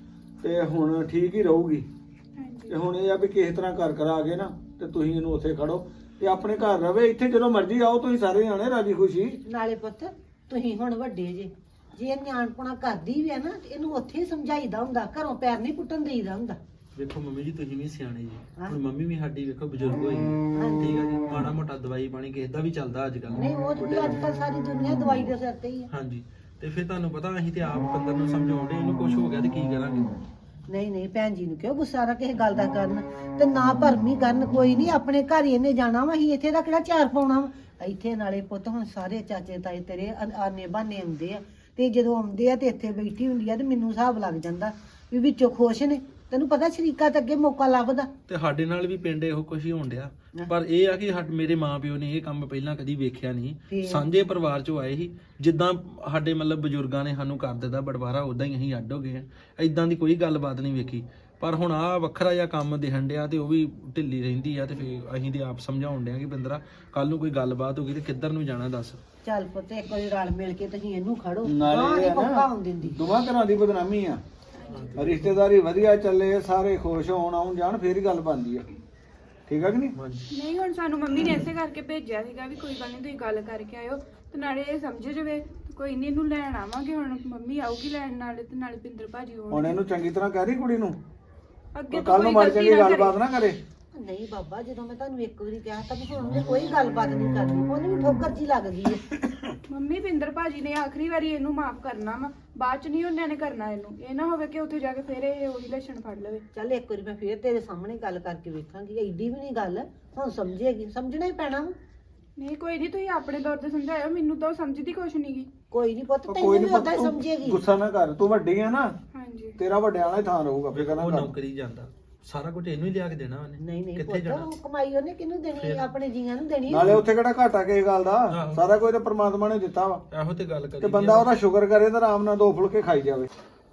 S1: ਤੇ ਹੁਣ ਠੀਕ ਹੀ ਰਹੂਗੀ।
S5: ਹਾਂਜੀ
S1: ਤੇ ਹੁਣ ਇਹ ਆ ਵੀ ਕਿਸੇ ਤਰ੍ਹਾਂ ਘਰ ਕਰਾ ਕੇ ਨਾ ਤੇ ਤੁਸੀਂ ਇਹਨੂੰ ਉੱਥੇ ਖੜੋ ਤੇ ਆਪਣੇ ਘਰ ਰਵੇ। ਇੱਥੇ ਜਦੋਂ ਮਰਜ਼ੀ ਆਓ ਤੁਸੀਂ ਸਾਰੇ ਜਾਣੇ ਰਾਜੀ ਖੁਸ਼ੀ।
S2: ਨਾਲੇ ਪੁੱਤ ਤੁਸੀਂ ਹੁਣ ਵੱਡੇ ਜੇ, ਜੇ ਇਹ ਨਿਆਣਪੁਣਾ ਕਰਦੀ ਵੀ ਆ ਨਾ ਤੇ ਇਹਨੂੰ ਉੱਥੇ ਹੀ ਸਮਝਾਈਦਾ ਹੁੰਦਾ, ਘਰੋਂ ਪੈਰ ਨਹੀਂ ਪੁੱਟਣ ਦੇਈਦਾ ਹੁੰਦਾ।
S4: ਵੇਖੋ ਮੰਮੀ ਜੀ ਤੁਸੀਂ ਵੀ ਸਿਆਣੇ ਜੀ,
S2: ਹਾਂ।
S4: ਹੁਣ ਮੰਮੀ ਵੀ ਸਾਡੀ ਵੇਖੋ ਬਜ਼ੁਰਗ ਹੋਈ, ਠੀਕ ਆ ਜੀ, ਮਾੜਾ ਮੋਟਾ ਦਵਾਈ ਪਾਣੀ ਕਿਸੇ ਦਾ ਵੀ ਚੱਲਦਾ ਅੱਜ ਕੱਲ।
S2: ਨਹੀਂ ਉਹ ਤੇ ਅੱਜ ਕੱਲ ਸਾਰੀ ਦੁਨੀਆ ਦਵਾਈ ਦੇ ਸਿਰ ਤੇ ਹੀ ਆ।
S4: ਹਾਂਜੀ ਤੇ ਫਿਰ ਤੁਹਾਨੂੰ ਪਤਾ ਅਸੀਂ ਤੇ ਆਪ ਬੰਦਰ ਨੂੰ ਸਮਝਾਉਂਦੇ, ਇਹਨੂੰ ਕੁਝ ਹੋ ਗਿਆ ਤੇ ਕੀ ਕਰਾਂਗੇ।
S2: ਨਹੀਂ ਨਹੀਂ ਭੈਣ ਜੀ ਨੂੰ ਕਿਉਂ ਗੁੱਸਾ ਨਾ ਕਿਸੇ ਗੱਲ ਦਾ ਕਰਨ, ਤੇ ਨਾ ਭਰਮੀ ਕਰਨ। ਕੋਈ ਨਹੀਂ, ਆਪਣੇ ਘਰ ਹੀ ਇਹਨੇ ਜਾਣਾ ਵਾ, ਅਸੀਂ ਇੱਥੇ ਦਾ ਕਿਹੜਾ ਚਾਰ ਪਾਉਣਾ ਵਾ। ਇੱਥੇ ਨਾਲੇ ਪੁੱਤ ਹੁਣ ਸਾਰੇ ਚਾਚੇ ਤਾਏ ਤੇਰੇ ਆ- ਆਨੇ ਬਾਨੇ ਆਉਂਦੇ ਆ, ਤੇ ਜਦੋਂ ਆਉਂਦੇ ਆ ਤੇ ਇੱਥੇ ਬੈਠੀ ਹੁੰਦੀ ਆ ਤੇ ਮੈਨੂੰ ਹਿਸਾਬ ਲੱਗ ਜਾਂਦਾ ਵੀ ਵਿੱਚੋਂ ਖੁਸ਼ ਨੇ। ਤੈਨੂੰ ਪਤਾ ਸ਼ਰੀਕਾ ਤੇ ਅੱਗੇ ਮੌਕਾ ਲੱਭਦਾ।
S4: ਤੇ ਸਾਡੇ ਨਾਲ ਵੀ ਪਿੰਡ ਇਹੋ ਕੁਝ ਹੀ ਹੋਣ ਡਿਆ, ਪਰ ਇਹ ਆ ਕਿ ਸਾਡੇ ਮੇਰੇ ਮਾਪਿਓ ਨੇ ਇਹ ਕੰਮ ਪਹਿਲਾਂ ਕਦੀ ਵੇਖਿਆ ਨਹੀਂ।
S2: ਫੇਰ?
S4: ਸਾਂਝੇ ਪਰਿਵਾਰ ਚੋਂ ਆਏ ਸੀ, ਜਿੱਦਾਂ ਸਾਡੇ ਮਤਲਬ ਬਜ਼ੁਰਗਾਂ ਨੇ ਸਾਨੂੰ ਕਰ ਦਿੱਤਾ ਬਟਵਾਰਾ, ਉਦਾਂ ਹੀ ਅਸੀਂ ਅੱਡ ਹੋ ਗਏ ਆ। ਐਦਾਂ ਦੀ ਕੋਈ ਗੱਲਬਾਤ ਨਹੀਂ ਵੇਖੀ। ਪਰ ਹੁਣ ਆ ਵੱਖਰਾ ਜਿਹਾ ਕੰਮ ਦਿਖਣ ਡਿਆ ਤੇ ਉਹ ਵੀ ਢਿੱਲੀ ਰਹਿੰਦੀ ਆ, ਤੇ ਫਿਰ ਅਸੀਂ ਤੇ ਆਪ ਸਮਝਾਉਣ ਡਿਆ ਕਿ ਬਿੰਦਰਾ ਕੱਲ ਨੂੰ ਕੋਈ ਗੱਲਬਾਤ ਹੋ ਗਈ ਤੇ ਕਿੱਧਰ ਨੂੰ ਜਾਣਾ ਦੱਸ।
S2: ਚੱਲ ਪੁੱਤ ਇੱਕ ਵਾਰੀ ਰਲ ਮਿਲ ਕੇ ਤੁਸੀਂ ਇਹਨੂੰ ਖੜੋ,
S1: ਨਾਲੇ
S2: ਹਾਂ
S1: ਇਹ
S2: ਨਹੀਂ
S1: ਆ
S2: ਮੌਕਾ
S1: ਨਾ,
S2: ਆਉਣ ਦਿੰਦੀ।
S1: ਦੋਵਾਂ ਘਰਾਂ ਦੀ ਬਦਨਾਮੀ ਆ। ਰਿਸ਼ਤੇਦਾਰੀ ਵਧੀਆ ਚੱਲੇ, ਸਾਰੇ ਖੁਸ਼ ਹੋਣ ਆਉਣ ਜਾਣ, ਫੇਰ ਹੀ ਗੱਲ ਬਣਦੀ ਆ। ਠੀਕ ਆ ਕਿ ਨਹੀਂ?
S4: ਹਾਂਜੀ
S5: ਨਹੀਂ ਹੁਣ ਸਾਨੂੰ ਮੰਮੀ ਨੇ ਇਸੇ ਕਰਕੇ ਭੇਜਿਆ ਸੀਗਾ ਵੀ ਕੋਈ ਗੱਲ ਨਹੀਂ ਤੁਸੀਂ ਗੱਲ ਕਰਕੇ ਆਇਓ, ਤੇ ਨਾਲੇ ਇਹ ਸਮਝ ਜਾਵੇ ਕੋਈ ਨਹੀਂ ਇਹਨੂੰ ਲੈਣ ਆਵਾਂਗੇ। ਹੁਣ ਮੰਮੀ ਆਊਗੀ ਲੈਣ, ਨਾਲੇ ਤੇ ਨਾਲੇ ਪਿੰਦਰ ਭਾਜੀ
S1: ਹੁਣ
S5: ਹੋਣਗੇ।
S1: ਇਹਨੂੰ ਚੰਗੀ ਤਰ੍ਹਾਂ ਕਹਿ ਰਹੀ ਕੁੜੀ ਨੂੰ,
S5: ਅੱਗੇ ਤੋਂ
S1: ਕੱਲ ਨੂੰ
S5: ਕੋਈ
S1: ਮਾੜੀ
S5: ਗਲਤੀ
S1: ਚੰਗੀ
S5: ਨਾ
S1: ਗੱਲਬਾਤ
S5: ਕਰੇ।
S1: ਨਾ ਕਰੇ।
S2: ਨਹੀਂ ਬਾਬਾ, ਜਦੋਂ ਮੈਂ ਤੁਹਾਨੂੰ ਇੱਕ ਵਾਰੀ ਕਿਹਾ ਤਾਂ ਵੀ ਹੁਣ ਉਹਨੇ ਕੋਈ ਗੱਲਬਾਤ ਨਹੀਂ ਕਰਨੀ, ਉਹਨੂੰ ਵੀ ਠੋਕਰ ਜੀ ਲੱਗ ਗਈ ਹੈ।
S5: ਮੰਮੀ ਪਿੰਦਰ ਭਾਜੀ ਨੇ ਆਖਰੀ ਵਾਰੀ ਇਹਨੂੰ ਮਾਫ ਕਰਨਾ ਵਾ, ਬਾਅਦ ਚ ਨਹੀਂ ਉਹਨਾਂ ਨੇ ਕਰਨਾ ਇਹਨੂੰ। ਇਹ ਨਾ ਹੋਵੇ ਕਿ ਉੱਥੇ ਜਾ ਕੇ ਫਿਰ ਇਹ ਉਹੀ ਲੱਛਣ ਫੜ ਲਵੇ।
S2: ਚੱਲ ਇੱਕ ਵਾਰੀ ਮੈਂ ਫੇਰ ਤੇਰੇ ਸਾਹਮਣੇ ਗੱਲ ਕਰਕੇ ਵੇਖਾਂਗੀ, ਐਡੀ ਵੀ ਨਹੀਂ ਗੱਲ, ਹੁਣ ਸਮਝੇਗੀ, ਸਮਝਣਾ ਹੀ ਪੈਣਾ ਵਾ।
S5: ਨਹੀਂ ਕੋਈ ਨਹੀਂ, ਤੁਸੀਂ ਆਪਣੇ ਤੌਰ ਤੇ ਸਮਝਾਇਓ, ਮੈਨੂੰ ਤਾਂ ਉਹ ਸਮਝਦੀ ਕੁਛ ਨਹੀਂ ਗੀ।
S2: ਕੋਈ ਨਹੀਂ ਪੁੱਤ,
S1: ਉਹ
S2: ਤੈਨੂੰ
S1: ਕੋਈ
S2: ਵੀ
S1: ਨਹੀਂ
S2: ਉਦਾਂ ਹੀ
S1: ਪੁੱਤ,
S2: ਸਮਝੇਗੀ।
S1: ਤੂੰ ਗੁੱਸਾ ਨਾ ਕਰ, ਤੂੰ ਵੱਡੀ ਆ ਨਾ,
S5: ਹਾਂਜੀ
S1: ਤੇਰਾ ਵੱਡਿਆਂ ਵਾਲਾ ਹੀ ਥਾਂ ਰਹੂਗਾ। ਫਿਕਰ ਨਾ
S4: ਉਹ
S1: ਕਰ।
S4: ਨੌਕਰੀ ਜਾਂਦਾ, ਸਾਰਾ ਕੁਝ ਇਹਨੂੰ ਹੀ ਲਿਆ ਕੇ ਦੇਣਾ ਉਹਨੇ।
S2: ਨਹੀਂ ਨਹੀਂ
S4: ਕਿੱਥੇ
S2: ਪੁੱਤ,
S4: ਜਾਣਾ?
S2: ਉਹ ਕਮਾਈ ਉਹਨੇ ਕਿਹਨੂੰ ਦੇਣੀ ਹੈ? ਆਪਣੇ ਜੀਆਂ ਨੂੰ ਦੇਣੀ ਹੈ।
S1: ਨਾਲੇ ਉੱਥੇ ਕਿਹੜਾ ਘਾਟਾ ਕਿਸੇ ਗੱਲ ਦਾ,
S4: ਆਹੋ।
S1: ਸਾਰਾ ਕੁਝ ਤਾਂ ਪ੍ਰਮਾਤਮਾ ਨੇ ਦਿੱਤਾ ਵਾ।
S4: ਇਹੋ ਤੇ ਗੱਲ ਕਰੀ
S1: ਤੇ ਬੰਦਾ ਉਹਦਾ ਸ਼ੁਕਰ ਕਰੇ ਤਾਂ ਆਰਾਮ ਨਾਲ ਦੋ ਫੁਲਕੇ ਖਾਈ ਜਾਵੇ।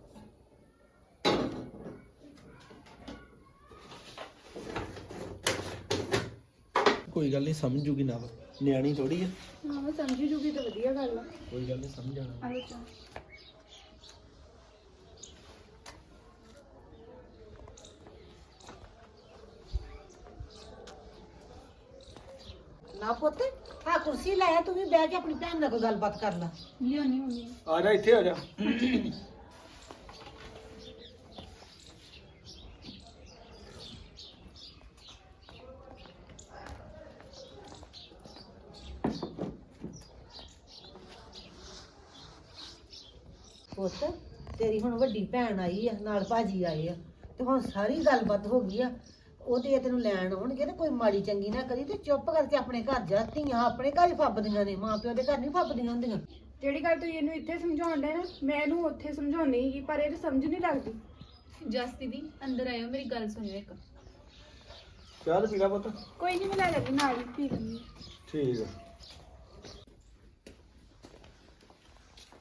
S4: ਕੋਈ ਗੱਲ ਨਹੀਂ, ਸਮਝ ਜੂਗੀ ਨਾ, ਨਿਆਣੀ ਥੋੜੀ ਆ।
S5: ਹਾਂ ਸਮਝ ਜੂਗੀ ਤਾਂ ਵਧੀਆ ਗੱਲ ਆ।
S4: ਕੋਈ ਗੱਲ ਨਹੀਂ, ਸਮਝ ਜਾਣਾ।
S5: ਆਲੋ ਚਾ
S2: ਨਾ ਪੁੱਤ, ਆ ਕੁਰਸੀ ਲੈ ਆ, ਤੂੰ ਵੀ ਬਹਿ ਕੇ ਆਪਣੀ ਭੈਣ ਨਾਲ ਕੋਈ ਗੱਲਬਾਤ ਕਰ ਲੈ।
S5: ਲਿਆਉਣੀ ਮੰਮੀ।
S1: ਆ ਜਾ ਇੱਥੇ ਆ ਜਾ।
S2: ਪੁੱਤ ਤੇਰੀ ਹੁਣ ਵੱਡੀ ਭੈਣ ਆਈ ਆ, ਨਾਲ ਭਾਜੀ ਆਏ ਆ, ਤੇ ਹੁਣ ਸਾਰੀ ਗੱਲਬਾਤ ਹੋ ਗਈ ਆ। ਉਹਦੇ ਇਹ ਤੈਨੂੰ ਲੈਣ ਆਉਣਗੇ ਤੇ ਕੋਈ ਮਾੜੀ ਚੰਗੀ ਨਾ ਕਰੀ, ਤੇ ਚੁੱਪ ਕਰਕੇ ਆਪਣੇ ਘਰ ਜਾ। ਧੀਆਂ ਆਪਣੇ ਘਰ ਹੀ ਫੱਬਦੀਆਂ ਨੇ, ਮਾਂ ਪਿਓ ਦੇ ਘਰ ਨਹੀਂ ਫੱਬਦੀਆਂ ਹੁੰਦੀਆਂ।
S5: ਜਿਹੜੀ ਗੱਲ ਤੁਸੀਂ ਇਹਨੂੰ ਇੱਥੇ ਸਮਝਾਉਣ ਦੇ ਨਾ, ਮੈਂ ਇਹਨੂੰ ਉੱਥੇ ਸਮਝਾਉਣੀ ਸੀਗੀ, ਪਰ ਇਹ ਸਮਝ ਨਹੀਂ ਲੱਗਦੀ।
S3: ਜਸ ਦੀਦੀ ਅੰਦਰ ਆਇਓ, ਮੇਰੀ ਗੱਲ ਸੁਣਿਓ ਇੱਕ।
S1: ਚਾਹ ਪੀਲਾ ਪੁੱਤ।
S5: ਕੋਈ ਨਹੀਂ, ਮੈਂ ਲੈ ਲੈਂਦੀ ਨਾਲ ਹੀ ਪੀ ਲੈਂਦੀ।
S1: ਠੀਕ ਆ।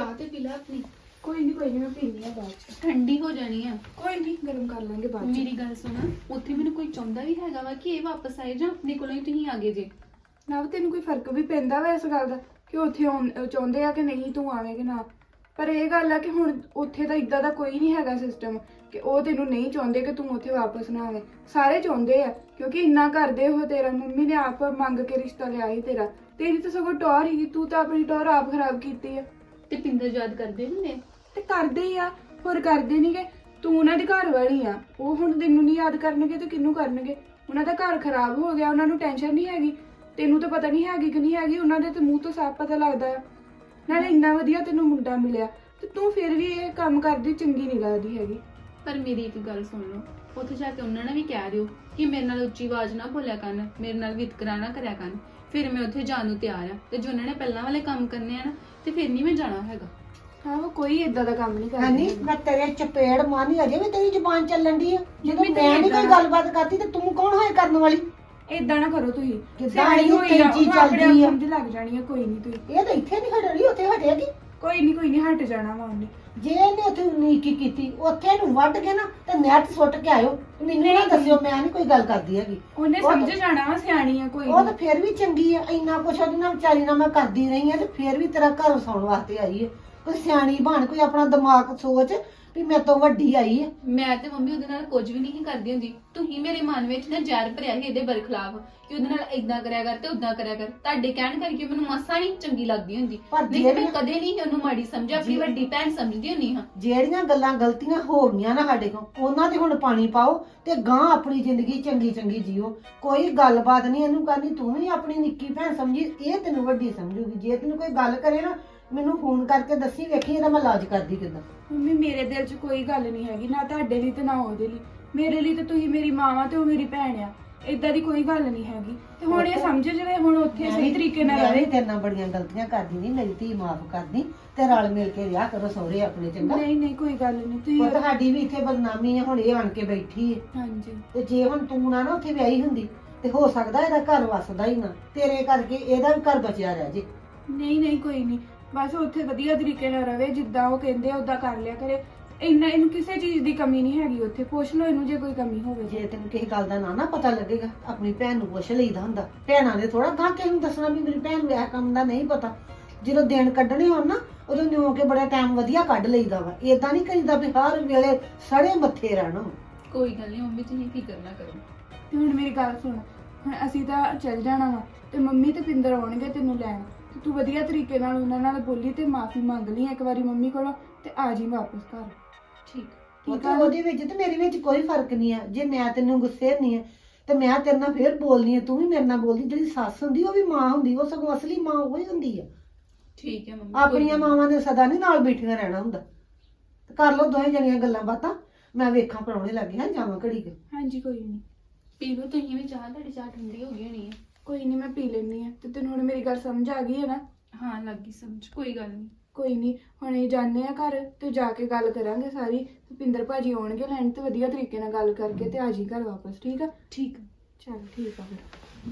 S3: ਚਾਹ ਤੇ ਪੀ ਲੈ ਆਪਣੀ।
S5: ਕੋਈ ਨਹੀਂ ਕੋਈ ਨਹੀਂ ਮੈਂ ਪੀਣੀ ਆ ਬਾਅਦ ਚ।
S3: ਠੰਡੀ ਹੋ ਜਾਣੀ ਆ।
S5: ਕੋਈ ਨਹੀਂ ਗਰਮ ਕਰ ਲਾਂਗੇ ਬਾਅਦ ਚ।
S3: ਮੇਰੀ ਗੱਲ ਸੁਣ, ਉੱਥੇ ਮੈਨੂੰ ਕੋਈ ਚਾਹੁੰਦਾ ਵੀ ਹੈਗਾ ਵਾ ਕਿ ਇਹ ਵਾਪਸ ਆਏ ਜਾਂ ਆਪਣੇ ਕੋਲੋਂ ਹੀ ਤੁਸੀਂ ਆ ਗਏ ਜੇ?
S5: ਨਾ ਤੈਨੂੰ ਕੋਈ ਫਰਕ ਵੀ ਪੈਂਦਾ ਵਾ ਇਸ ਗੱਲ ਦਾ ਕਿ ਉੱਥੇ ਆਉਣ- ਅਹ ਚਾਹੁੰਦੇ ਆ ਕਿ ਨਹੀਂ ਤੂੰ ਆਵੇਂ ਕਿ ਨਾ? ਪਰ ਇਹ ਗੱਲ ਆ ਕਿ ਹੁਣ ਉੱਥੇ ਤਾਂ ਇਦਾਂ ਦਾ ਕੋਈ ਨਹੀਂ ਹੈਗਾ ਸਿਸਟਮ ਕਿ ਉਹ ਤੈਨੂੰ ਨਹੀਂ ਚਾਹੁੰਦੇ ਕਿ ਤੂੰ ਉੱਥੇ ਵਾਪਸ ਨਾ ਆਵੇਂ। ਸਾਰੇ ਚਾਹੁੰਦੇ ਆ ਕਿਉਂਕਿ ਇੰਨਾ ਕਰਦੇ ਉਹ ਤੇਰਾ। ਮੰਮੀ ਨੇ ਆਪ ਮੰਗ ਕੇ ਰਿਸ਼ਤਾ ਲਿਆ ਸੀ ਤੇਰਾ। ਤੇਰੀ ਤਾਂ ਸਗੋਂ ਟੌਰ ਹੀ, ਤੂੰ ਤਾਂ ਆਪਣੀ ਟੌਰ ਆਪ ਖਰਾਬ ਕੀਤੀ ਆ।
S3: ਤੇ ਪਿੰਦਰ ਯਾਦ ਕਰਦੇ ਹੁੰਦੇ?
S5: ਤੇ ਕਰਦੇ ਹੀ ਆ, ਹੋਰ ਕਰਦੇ ਨਹੀਂਗੇ। ਤੂੰ ਉਹਨਾਂ ਦੀ ਘਰ ਵਾਲੀ ਆ, ਉਹ ਹੁਣ ਤੈਨੂੰ ਨਹੀਂ ਯਾਦ ਕਰਨਗੇ ਤੇ ਕਿਹਨੂੰ ਕਰਨਗੇ? ਉਹਨਾਂ ਦਾ ਘਰ ਖਰਾਬ ਹੋ ਗਿਆ, ਉਹਨਾਂ ਨੂੰ ਟੈਨਸ਼ਨ ਨਹੀਂ ਹੈਗੀ। ਤੈਨੂੰ ਤਾਂ ਪਤਾ ਨਹੀਂ ਹੈਗੀ ਕਿ ਨਹੀਂ ਹੈਗੀ, ਉਹਨਾਂ ਦੇ ਤੇ ਮੂੰਹ ਤੋਂ ਸਾਫ਼ ਪਤਾ ਲੱਗਦਾ ਆ। ਨਾਲੇ ਇੰਨਾ ਵਧੀਆ ਤੈਨੂੰ ਮੁੰਡਾ ਮਿਲਿਆ ਤੇ ਤੂੰ ਫਿਰ ਵੀ ਇਹ ਕੰਮ ਕਰਦੀ ਚੰਗੀ ਨਹੀਂ ਲੱਗਦੀ ਹੈਗੀ।
S3: ਪਰ ਮੇਰੀ ਇੱਕ ਗੱਲ ਸੁਣ ਲਓ, ਉੱਥੇ ਜਾ ਕੇ ਉਹਨਾਂ ਨੇ ਵੀ ਕਹਿ ਦਿਓ ਕਿ ਮੇਰੇ ਨਾਲ ਉੱਚੀ ਆਵਾਜ਼ ਨਾ ਬੋਲਿਆ ਕਰਨ, ਮੇਰੇ ਨਾਲ ਵਿਤਕਰਾ ਨਾ ਕਰਿਆ ਕਰਨ। ਫਿਰ ਮੈਂ ਉੱਥੇ ਜਾਣ ਨੂੰ ਤਿਆਰ ਆ। ਤੇ ਜੋ ਉਹਨਾਂ ਨੇ ਪਹਿਲਾਂ ਵਾਲੇ ਕੰਮ ਕਰਨੇ ਆ ਨਾ, ਤੇ ਫਿਰ ਨਹੀਂ ਮੈਂ ਜਾਣਾ ਹੈਗਾ।
S5: ਹਾਂ, ਉਹ ਕੋਈ ਏਦਾਂ ਦਾ ਕੰਮ ਨਹੀਂ
S2: ਹੈਨੀ
S5: ਕਰਦੀ।
S2: ਮੈਂ ਤੇਰੇ ਚਪੇੜ ਮਾਰਨੀ, ਅਜੇ ਵੀ ਤੇਰੀ ਜ਼ੁਬਾਨ ਚੱਲਣ ਦੀ ਆ। ਜਦੋਂ
S5: ਮੰਮੀ ਤੇ
S2: ਮੈਂ ਨਹੀਂ ਕੋਈ
S5: ਏਦਾਂ-
S2: ਗੱਲਬਾਤ ਕਰਦੀ ਤੇ ਤੂੰ ਕੌਣ ਹੋਏ ਕਰਨ ਵਾਲੀ?
S5: ਏਦਾਂ ਨਾ ਕਰੋ ਤੁਸੀਂ।
S2: ਕਿੱਦਾਂ
S5: ਸਿਆਣੀ
S2: ਇਹ
S5: ਹੋਈ ਆ,
S2: ਤੇਜ਼ੀ
S5: ਉਹਨੂੰ ਆਪਣੇ ਆਪ
S2: ਚੱਲਦੀ ਆ।
S5: ਸਮਝ ਲੱਗ ਜਾਣੀ ਆ। ਕੋਈ ਨਹੀਂ ਤੁਸੀਂ
S2: ਇਹ ਤਾਂ ਇੱਥੇ ਨਹੀਂ ਹਟਣੀ, ਉੱਥੇ ਹਟੇਗੀ।
S5: ਕੋਈ ਨਹੀਂ ਕੋਈ ਨਹੀਂ ਹਟ ਜਾਣਾ ਵਾ ਉਹਨੇ।
S2: ਜੇ ਇਹਨੇ ਉੱਥੇ ਨੀਕੀ ਕੀਤੀ, ਉੱਥੇ ਇਹਨੂੰ ਵੱਢ ਕੇ ਨਾ ਤੇ ਨੈਟ ਸੁੱਟ ਕੇ ਆਇਓ। ਮੈਨੂੰ ਨਾ ਦੱਸਿਓ, ਮੈਂ ਨਹੀਂ ਕੋਈ ਗੱਲ ਕਰਦੀ ਹੈਗੀ।
S5: ਉਹਨੇ
S2: ਉਹ ਤਾਂ-
S5: ਸਮਝ ਜਾਣਾ ਵਾ, ਸਿਆਣੀ ਆ ਕੋਈ
S2: ਉਹ ਤਾਂ
S5: ਨਹੀਂ।
S2: ਫਿਰ ਵੀ ਚੰਗੀ ਆ। ਇੰਨਾ ਕੁਛ ਉਹਦੇ ਨਾਲ ਵਿਚਾਰੀ ਨਾਲ ਮੈਂ ਕਰਦੀ ਰਹੀ ਆ ਤੇ ਫਿਰ ਵੀ ਤੇਰਾ ਘਰ ਵਸਾਉਣ ਵਾਸਤੇ ਆਈ ਹੈ। ਕੋਈ ਸਿਆਣੀ ਬਣ, ਕੋਈ ਆਪਣਾ ਦਿਮਾਗ ਸੋਚ ਵੀ ਮੇਰੇ ਤੋਂ ਵੱਡੀ ਆਈ ਹੈ।
S3: ਮੈਂ ਤੇ ਮੰਮੀ ਉਹਦੇ ਨਾਲ ਕੁਝ ਵੀ ਨਹੀਂ ਕਰਦੀ ਹੁੰਦੀ। ਤੁਸੀਂ ਮੇਰੇ ਮਨ ਵਿੱਚ ਨਾ ਜ਼ਹਿਰ ਭਰਿਆ ਸੀ ਇਹਦੇ ਬਰਖਲਾਫ ਕਿ ਉਹਦੇ ਨਾਲ ਇਦਾਂ ਕਰਿਆ ਕਰ ਤੇ ਉਦਾਂ ਕਰਿਆ ਕਰ। ਤੁਹਾਡੇ ਕਹਿਣ ਕਰਕੇ ਮੈਨੂੰ ਮਾਸਾ ਨਹੀਂ ਚੰਗੀ ਲੱਗਦੀ ਹੁੰਦੀ।
S2: ਪਰ
S3: ਨਹੀਂ ਤੇ ਮੈਂ
S2: ਜਿਹੜੀਆਂ-
S3: ਕਦੇ ਨਹੀਂ ਉਹਨੂੰ ਮਾੜੀ ਸਮਝਿਆ, ਆਪਣੀ ਵੱਡੀ ਭੈਣ ਸਮਝਦੀ ਹੁੰਨੀ ਹਾਂ।
S2: ਜਿਹੜੀਆਂ ਗੱਲਾਂ ਗਲਤੀਆਂ ਹੋ ਗਈਆਂ ਨਾ ਸਾਡੇ ਕੋਲ, ਉਹਨਾਂ ਤੇ ਹੁਣ ਪਾਣੀ ਪਾਓ ਤੇ ਗਾਂ ਆਪਣੀ ਜ਼ਿੰਦਗੀ ਚੰਗੀ ਚੰਗੀ ਜੀਓ। ਕੋਈ ਗੱਲਬਾਤ ਨਹੀਂ ਇਹਨੂੰ ਕਰਨੀ। ਤੂੰ ਵੀ ਆਪਣੀ ਨਿੱਕੀ ਭੈਣ ਸਮਝੀ, ਇਹ ਤੈਨੂੰ ਵੱਡੀ ਸਮਝੂਗੀ। ਜੇ ਤੈਨੂੰ ਕੋਈ ਗੱਲ ਕਰੇ ਨਾ, ਮੈਨੂੰ ਫੋਨ ਕਰਕੇ ਦੱਸੀ, ਵੇਖੀ ਇਹਦਾ ਮੈਂ ਇਲਾਜ ਕਰਦੀ ਕਿੱਦਾਂ।
S5: ਮੰਮੀ ਮੇਰੇ ਦਿਲ 'ਚ ਕੋਈ ਗੱਲ ਨਹੀਂ ਹੈਗੀ, ਨਾ ਤੁਹਾਡੇ ਲਈ ਤੇ ਨਾ ਉਹਦੇ ਲਈ। ਮੇਰੇ ਲਈ ਤੇ ਤੁਸੀਂ ਮੇਰੀ ਮਾਂ ਵਾ ਤੇ ਉਹ ਮੇਰੀ ਭੈਣ ਆ। ਏਦਾਂ ਦੀ ਕੋਈ ਗੱਲ ਨਹੀਂ ਹੈਗੀ। ਤੇ ਹੁਣ ਇਹ ਸਮਝ ਜਵੇ, ਹੁਣ ਉੱਥੇ ਸਹੀ ਤਰੀਕੇ ਨਾਲ
S2: ਮੈਂ ਵੀ
S5: ਰਹੇ।
S2: ਤੇਰੇ ਨਾਲ ਬੜੀਆਂ ਗਲਤੀਆਂ ਕਰਦੀ ਨਹੀਂ, ਮੇਰੀ ਧੀ ਮਾਫ ਕਰਦੀ ਤੇ ਰਲ ਮਿਲ ਕੇ ਵਿਆਹ ਕਰੋ ਸਹੁਰੇ ਆਪਣੇ, ਚੰਗਾ?
S5: ਨਹੀਂ ਨਹੀਂ ਕੋਈ ਗੱਲ ਨਹੀਂ
S2: ਉਹ
S5: ਤੁਸੀਂ।
S2: ਤੁਹਾਡੀ ਵੀ ਇੱਥੇ ਬਦਨਾਮੀ ਹੈ, ਹੁਣ ਇਹ ਆਣ ਕੇ ਬੈਠੀ ਹੈ।
S5: ਹਾਂਜੀ
S2: ਤੇ ਜੇ ਹੁਣ ਤੂੰ ਨਾ ਨਾ ਉੱਥੇ ਵਿਆਹੀ ਹੁੰਦੀ ਤੇ ਹੋ ਸਕਦਾ ਇਹਦਾ ਘਰ ਵਸਦਾ ਹੀ ਨਾ। ਤੇਰੇ ਕਰਕੇ ਇਹਦਾ ਵੀ ਘਰ ਬਚਿਆ ਰਹਿ ਜੇ।
S5: ਨਹੀਂ ਨਹੀਂ ਕੋਈ ਨਹੀਂ, ਬਸ ਉੱਥੇ ਵਧੀਆ ਤਰੀਕੇ ਨਾਲ ਰਵੇ, ਜਿੱਦਾਂ ਉਹ ਕਹਿੰਦੇ ਆ ਉਦਾਂ ਕਰ ਲਿਆ ਕਰੇ। ਇੰਨਾ ਇਹਨੂੰ ਕਿਸੇ ਚੀਜ਼ ਦੀ ਕਮੀ ਨਹੀਂ ਹੈਗੀ ਉੱਥੇ। ਪੁੱਛ ਲਓ ਇਹਨੂੰ ਜੇ ਕੋਈ ਕਮੀ ਹੋਵੇ।
S2: ਜੇ ਤੈਨੂੰ ਕਿਸੇ ਗੱਲ ਦਾ ਨਾ ਨਾ ਪਤਾ ਲੱਗੇਗਾ, ਆਪਣੀ ਭੈਣ ਨੂੰ ਪੁੱਛ ਲਈਦਾ ਹੁੰਦਾ। ਭੈਣਾਂ ਨੇ ਥੋੜਾ ਗਾਂ ਕਿਸੇ ਨੂੰ ਦੱਸਣਾ ਵੀ ਮੇਰੀ ਭੈਣ ਨੂੰ ਇਹ ਕੰਮ ਦਾ ਨਹੀਂ ਪਤਾ। ਜਦੋਂ ਦਿਨ ਕੱਢਣੇ ਹੋਣ ਨਾ, ਉਦੋਂ ਨਿਉ ਕੇ ਬੜਾ ਟਾਈਮ ਵਧੀਆ ਕੱਢ ਲਈਦਾ ਵਾ। ਏਦਾਂ ਨਹੀਂ ਕਰੀਦਾ ਵੀ ਹਰ ਵੇਲੇ ਸੜੇ ਮੱਥੇ ਰਹਿਣਾ।
S3: ਕੋਈ ਗੱਲ ਨਹੀਂ ਮੰਮੀ, ਤੁਸੀਂ ਫਿਕਰ ਨਾ ਕਰੋ।
S5: ਤੇ ਹੁਣ ਮੇਰੀ ਗੱਲ ਸੁਣ, ਹੁਣ ਅਸੀਂ ਤਾਂ ਚੱਲ ਜਾਣਾ ਵਾ ਤੇ ਮੰਮੀ ਤੇ ਪਿੰਦਰ ਆਉਣਗੇ ਤੈਨੂੰ ਲੈਣ। ਤੇ ਤੂੰ ਵਧੀਆ ਤਰੀਕੇ ਨਾਲ ਉਹਨਾਂ ਨਾਲ ਬੋਲੀ ਤੇ ਮਾਫੀ ਮੰਗ ਲਈ ਇੱਕ ਵਾਰੀ ਮੰਮੀ ਕੋਲੋਂ ਤੇ ਆ ਜੀ ਵਾਪਸ ਘਰ।
S3: ਠੀਕ।
S2: ਉਹ
S5: ਠੀਕ
S2: ਤਾਂ
S5: ਆ ਨਾ?
S2: ਉਹਦੇ ਵਿੱਚ ਤੇ ਮੇਰੇ ਵਿੱਚ ਕੋਈ ਫਰਕ ਨਹੀਂ ਆ। ਜੇ ਮੈਂ ਤੈਨੂੰ ਗੁੱਸੇ ਨਹੀਂ ਆ ਤੇ ਮੈਂ ਤੇਰੇ ਨਾਲ ਫੇਰ ਬੋਲਨੀ ਆ, ਤੂੰ ਵੀ ਮੇਰੇ ਨਾਲ ਬੋਲਦੀ। ਜਿਹੜੀ ਸੱਸ ਹੁੰਦੀ ਉਹ ਵੀ ਮਾਂ ਹੁੰਦੀ, ਉਹ ਸਗੋਂ ਅਸਲੀ ਮਾਂ ਉਹ ਹੀ ਹੁੰਦੀ ਆ।
S3: ਠੀਕ ਹੈ ਮੰਮੀ।
S2: ਆਪਣੀਆਂ ਮਾਵਾਂ ਨੇ ਸਦਾ ਨਹੀਂ ਨਾਲ ਬੈਠੀਆਂ ਰਹਿਣਾ ਹੁੰਦਾ। ਤੇ ਕਰ ਲਓ ਦੋਵੇਂ ਜਣੀਆਂ ਗੱਲਾਂ ਬਾਤਾਂ। ਮੈਂ ਵੇਖਾਂ ਪਰਾਉਣੇ ਲੱਗੇ ਹਾਂ, ਜਾਵਾਂ ਘੜੀ ਕੇ।
S5: ਹਾਂਜੀ ਕੋਈ ਨਹੀਂ
S3: ਪੀ ਲਓ ਤੁਸੀਂ ਵੀ ਚਾਹ, ਤੁਹਾਡੀ ਚਾਹ ਠੰਡੀ ਹੋ ਗਈ ਹੋਣੀ ਹੈ।
S5: ਕੋਈ ਨਹੀਂ ਮੈਂ ਪੀ ਲੈਣੀ ਆ। ਤੇ ਤੈਨੂੰ ਹੁਣ ਮੇਰੀ ਗੱਲ ਸਮਝ ਆ ਗਈ ਹੈ ਨਾ?
S3: ਹਾਂ ਲੱਗ ਗਈ ਸਮਝ, ਕੋਈ ਗੱਲ ਨਹੀਂ।
S5: ਕੋਈ ਨਹੀਂ, ਹੁਣ ਇਹ ਜਾਂਦੇ ਆ ਘਰ ਤੇ ਜਾ ਕੇ ਗੱਲ ਕਰਾਂਗੇ ਸਾਰੀ। ਤੇ ਪਿੰਦਰ ਭਾਜੀ ਆਉਣਗੇ ਲੈਣ ਤੇ ਵਧੀਆ ਤਰੀਕੇ ਨਾਲ ਗੱਲ ਕਰਕੇ ਤੇ ਆ ਜੀ ਘਰ ਵਾਪਸ। ਠੀਕ ਆ?
S3: ਠੀਕ ਆ।
S5: ਚਲ ਠੀਕ ਆ ਫਿਰ।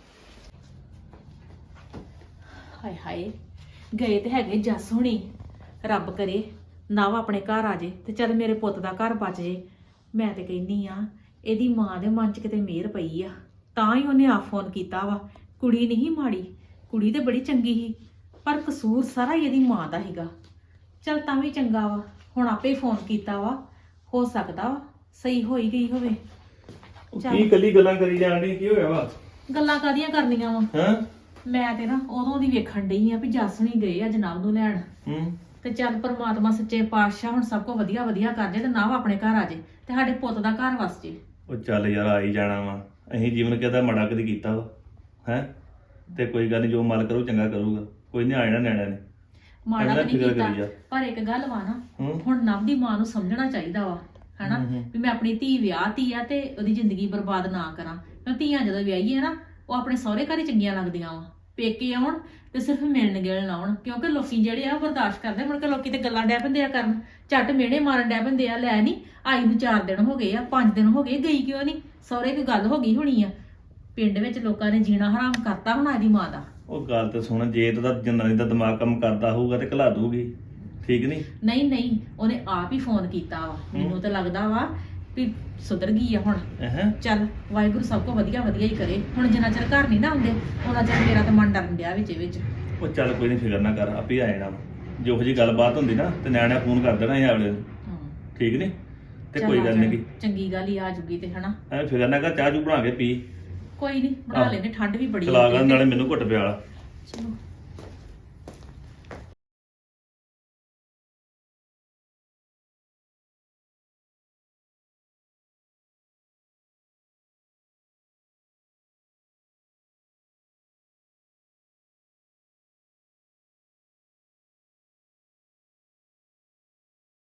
S6: ਹਾਏ ਹਾਏ, ਗਏ ਤੇ ਹੈਗੇ ਜੱਸ ਹੁਣੀ। ਰੱਬ ਕਰੇ ਨਵ ਆਪਣੇ ਘਰ ਆ ਜੇ ਤੇ ਚੱਲ ਮੇਰੇ ਪੁੱਤ ਦਾ ਘਰ ਬਚ ਜੇ। ਮੈਂ ਤੇ ਕਹਿੰਨੀ ਆ ਇਹਦੀ ਮਾਂ ਦੇ ਮਨ 'ਚ ਕਿਤੇ ਮਿਹਰ ਪਈ ਆ, ਤਾਂ ਹੀ ਉਹਨੇ ਆ ਫੋਨ ਕੀਤਾ ਵਾ। ਕੁੜੀ ਨਹੀਂ ਮਾੜੀ, ਕੁੜੀ ਤੇ ਬੜੀ ਚੰਗੀ ਸੀ, ਪਰ ਕਸੂਰ ਸਾਰਾ ਹੀ ਇਹਦੀ ਮਾਂ ਦਾ ਸੀਗਾ। ਚੱਲ ਤਾਂ ਵੀ ਚੰਗਾ ਵਾ, ਹੁਣ ਆਪੇ ਫੋਨ ਕੀਤਾ ਵਾ, ਹੋ ਸਕਦਾ ਵਾ ਸਹੀ ਹੋਈ ਗਈ ਹੋਵੇ। ਚੱਲ।
S7: ਕੀ ਕੱਲੀ ਗੱਲਾਂ ਕਰੀ ਜਾਣ ਡਈ, ਕੀ ਹੋਇਆ ਵਾ?
S6: ਗੱਲਾਂ ਕਾਹਦੀਆਂ ਕਰਨੀਆਂ ਵਾ?
S7: ਹਾਂ।
S6: ਮੈਂ ਤੇ ਨਾ ਉਦੋਂ ਦੀ ਵੇਖਣ ਡਈ ਆ ਵੀ ਜੱਸ ਹੁਣੀ ਗਏ ਆ ਜਨਾਬ ਨੂੰ ਲੈਣ।
S7: ਹੂੰ।
S6: ਤੇ ਚੱਲ ਪਰਮਾਤਮਾ ਸੱਚੇ ਪਾਤਸ਼ਾਹ ਹੁਣ ਸਭ ਕੁਝ ਵਧੀਆ ਵਧੀਆ ਕਰ ਜੇ ਤੇ ਨਾਵ ਆਪਣੇ ਘਰ ਆ ਜੇ ਤੇ ਸਾਡੇ ਪੁੱਤ ਦਾ ਘਰ ਵਸ ਜੇ।
S7: ਉਹ ਚੱਲ ਯਾਰ ਆ ਹੀ ਜਾਣਾ ਵਾ। ਅਸੀਂ ਜੀਵਨ ਕਿਹਦਾ ਮਾੜਾ ਕਦੀ ਕੀਤਾ ਵਾ ਹੈ? ਤੇ ਕੋਈ ਗੱਲ ਨਹੀਂ, ਜੋ ਮਾਲ ਕਰੂ ਚੰਗਾ ਕਰੂਗਾ। ਕੋਈ ਨਹੀਂ ਆ ਜਾਣਾ ਨਿਆਣਿਆਂ ਨੇ।
S6: ਮਾੜਾ
S7: ਇੰਨਾ
S6: ਤਾਂ ਨਹੀਂ
S7: ਫਿਕਰ
S6: ਕੀਤਾ,
S7: ਕਰੀ ਜਾ।
S6: ਪਰ ਇੱਕ ਗੱਲ ਵਾ ਨਾ,
S7: ਹੂੰ।
S6: ਹੁਣ ਨਵ ਦੀ ਮਾਂ ਨੂੰ ਸਮਝਣਾ ਚਾਹੀਦਾ ਵਾ ਹਨਾ,
S7: ਹੂੰ ਹੂੰ।
S6: ਵੀ ਮੈਂ ਆਪਣੀ ਧੀ ਵਿਆਹਤੀ ਆ ਤੇ ਉਹਦੀ ਜ਼ਿੰਦਗੀ ਬਰਬਾਦ ਨਾ ਕਰਾਂ। ਮੈਂ ਧੀਆਂ ਜਦੋਂ ਵਿਆਹੀ ਹੈ ਨਾ, ਉਹ ਆਪਣੇ ਸਹੁਰੇ ਘਰ ਹੀ ਚੰਗੀਆਂ ਲੱਗਦੀਆਂ ਵਾ। ਪੇਕੇ ਆਉਣ ਤੇ ਸਿਰਫ ਮਿਲਣ ਗਿਲਣ ਆਉਣ, ਕਿਉਂਕਿ ਲੋਕੀ ਜਿਹੜੇ ਆ ਉਹ ਬਰਦਾਸ਼ਤ ਕਰਦੇ। ਮੁੜ ਕੇ ਲੋਕੀ ਤੇ ਗੱਲਾਂ ਡੈ ਪੈਂਦੇ ਆ ਕਰਨ, ਝੱਟ ਮਿਹਣੇ ਮਾਰਨ ਡੈ ਪੈਂਦੇ ਆ। ਲੈ ਨਹੀਂ ਆਈ ਨੂੰ ਚਾਰ ਦਿਨ ਹੋ ਗਏ ਆ, ਪੰਜ ਦਿਨ ਹੋ ਗਏ, ਗਈ ਕਿਉਂ ਨਹੀਂ? ਸਹੁਰੇ ਕੋਈ ਗੱਲ ਹੋ ਗਈ ਹੋਣੀ ਆ। ਪਿੰਡ ਵਿੱਚ ਲੋਕਾਂ ਨੇ ਜੀਣਾ ਹਰਾਮ ਕਰਤਾ ਹੋਣਾ ਇਹਦੀ ਮਾਂ ਦਾ।
S7: ਉਹ ਗੱਲ ਤੇ ਸੁਣ, ਜੇ ਤਾਂ ਜਨਾਨੀ ਦਾ ਦਿਮਾਗ ਕੰਮ ਕਰਦਾ ਹੋਊਗਾ ਤੇ ਘਲਾ ਦੂਗੀ। ਠੀਕ ਨਹੀਂ
S6: ਨਹੀਂ ਨਹੀਂ ਉਹਨੇ ਆਪ ਹੀ ਫੋਨ ਕੀਤਾ ਵਾ ਮੈਨੂੰ ਤਾਂ ਲੱਗਦਾ ਵਾ ਵੀ ਸੁਧਰ ਗਈ ਆ ਹੁਣ।
S7: ਹੈ
S6: ਚੱਲ ਵਾਹਿਗੁਰੂ ਸਭ ਕੋ ਵਧੀਆ ਵਧੀਆ ਹੀ ਕਰੇ। ਹੁਣ ਜਿੰਨਾ ਚਿਰ ਘਰ ਨਹੀਂ ਨਾ ਆਉਂਦੇ ਉਹਨਾਂ ਚਿਰ ਮੇਰਾ ਤਾਂ ਮਨ ਡਰਨ ਡਿਆ ਵਿੱਚ ਵਿੱਚ।
S7: ਉਹ ਚੱਲ ਕੋਈ ਨਹੀਂ, ਫਿਕਰ ਨਾ ਕਰ, ਆਪੇ ਆ ਜਾਣਾ ਵਾ। ਜੋ ਜਿਹੀ ਗੱਲਬਾਤ ਹੁੰਦੀ ਨਾ ਤੇ ਨਿਆਣਿਆਂ ਫੋਨ ਕਰ ਦੇਣਾ ਇਹ ਅਗਲੇ ਨੂੰ,
S6: ਹਾਂ
S7: ਠੀਕ ਨਹੀਂ? ਤੇ
S6: ਚੱਲ
S7: ਕੋਈ
S6: ਆ
S7: ਗੱਲ
S6: ਜਾਣਾ।
S7: ਨਹੀਂ,
S6: ਚੰਗੀ ਗੱਲ ਹੀ ਆ ਜੂਗੀ ਤੇ ਹਨਾ।
S7: ਐ ਫਿਕਰ ਨਾ ਕਰ, ਚਾਹ ਚੂ ਬਣਾ ਕੇ ਪੀ,
S6: ਕੋਈ ਨਹੀਂ ਬਣਾ
S7: ਆਹੋ।
S6: ਲੈਨੇ, ਠੰਡ ਵੀ ਬੜੀ
S7: ਚਲਾ
S6: ਆ
S7: ਗਾ ਨਾਲੇ ਮੈਨੂੰ ਘੁੱਟ ਪਿਆਲਾ।
S6: ਚਲੋ